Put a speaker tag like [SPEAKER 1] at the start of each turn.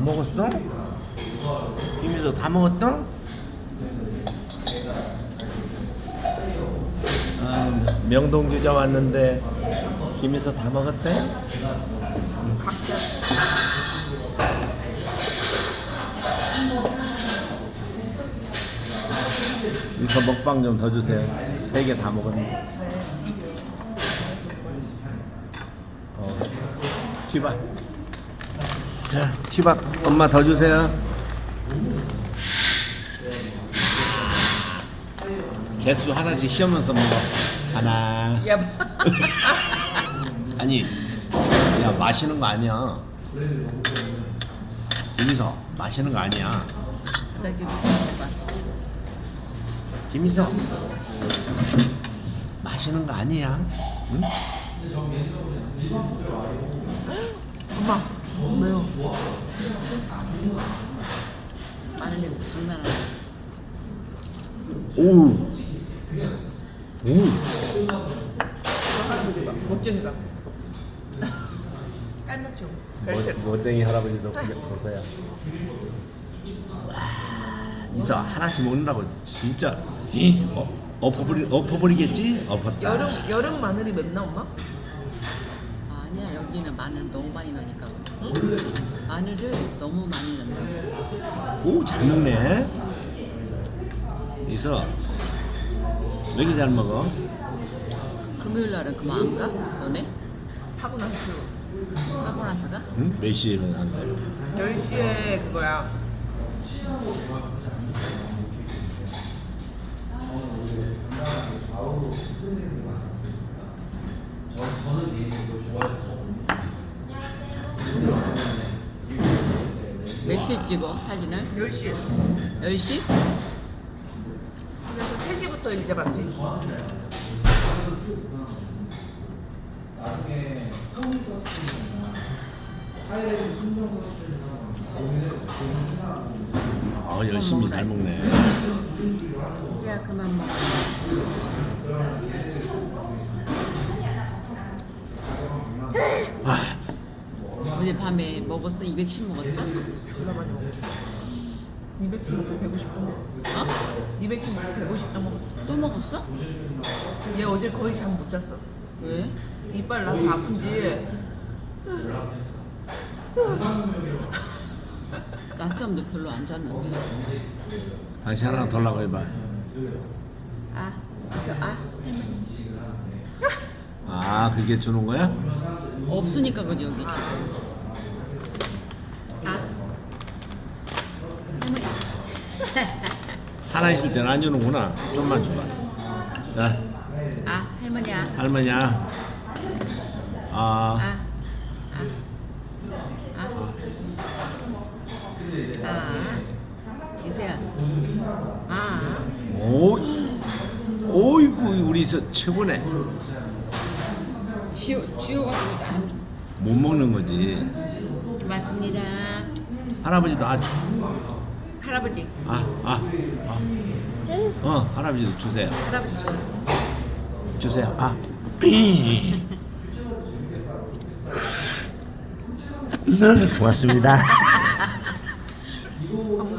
[SPEAKER 1] 먹었어? 김이서 다 먹었다? 명동주자 왔는데 김이서 다 먹었대?
[SPEAKER 2] 각자
[SPEAKER 1] 이거 먹방 좀 더 주세요. 3개 다 먹었네. 튀밥. 자, 튀밥 엄마 더 주세요. 개수 하나씩 씌우면서 먹어. 하나.
[SPEAKER 2] 야
[SPEAKER 1] 아니, 야 마시는 거 아니야. 김이서 마시는 거 아니야.
[SPEAKER 2] 나 이렇게 먹어봐.
[SPEAKER 1] 김이서 마시는 거 아니야. 응?
[SPEAKER 2] 엄마 매워. 마늘 냄새 장난 아니야.
[SPEAKER 1] 오우. 오우.
[SPEAKER 2] 할아버지 봐. 멋쟁이가. 깔맞춤.
[SPEAKER 1] 멋쟁이 할아버지도 보세요. 와, 이서 하나씩 먹는다고 진짜 엎어버리겠지? 엎었다.
[SPEAKER 2] 여름 마늘이 맵나 엄마?
[SPEAKER 3] 아니야, 여기는 마늘 너무 많이 넣으니까. 응? 마늘을 너무 많이 넣는다고.
[SPEAKER 1] 오, 잘 먹네. 이서 왜 이렇게 잘 먹어?
[SPEAKER 3] 금요일 날은 그만 안 가? 너네?
[SPEAKER 2] 하고 나서
[SPEAKER 3] 하고 나서 가?
[SPEAKER 1] 응? 몇 시에 일어난 거야?
[SPEAKER 2] 10시에 그거야.
[SPEAKER 3] 몇 시에 찍어, 사진을?
[SPEAKER 2] 10시에.
[SPEAKER 3] 10시?
[SPEAKER 2] 그래서 3시부터 일 잡았지.
[SPEAKER 1] 열심히 잘 먹네.
[SPEAKER 3] 이제야 그만 먹어. 어제 밤에 먹었어? 210 먹었어?
[SPEAKER 2] 졸라 많이 먹었어. 200씩 먹고 150도 먹었어.
[SPEAKER 3] 어?
[SPEAKER 2] 200씩 먹고 150도 먹었어.
[SPEAKER 3] 또 먹었어?
[SPEAKER 2] 얘 어제 거의 잠 못 잤어.
[SPEAKER 3] 왜?
[SPEAKER 2] 이빨 나서 아픈지.
[SPEAKER 3] 낮잠도 별로 안 잤는데.
[SPEAKER 1] 다시 하나 더 라고 해봐.
[SPEAKER 3] 아, 그래서 할머니.
[SPEAKER 1] 아, 그게 주는 거야?
[SPEAKER 3] 없으니까 그지 여기.
[SPEAKER 1] 하나 있을 때는 안 주는구나. 좀만 줘봐. 자,
[SPEAKER 3] 할머니야.
[SPEAKER 1] 할머니야.
[SPEAKER 3] 이세야.
[SPEAKER 1] 오이구, 우리 이서 최고네.
[SPEAKER 3] 지워가지고
[SPEAKER 1] 못 먹는 거지.
[SPEAKER 3] 맞습니다.
[SPEAKER 1] 할아버지도 아주.
[SPEAKER 3] 할아버지.
[SPEAKER 1] 할아버지도 주세요.
[SPEAKER 3] 할아버지 줘.
[SPEAKER 1] 주세요. 고맙습니다.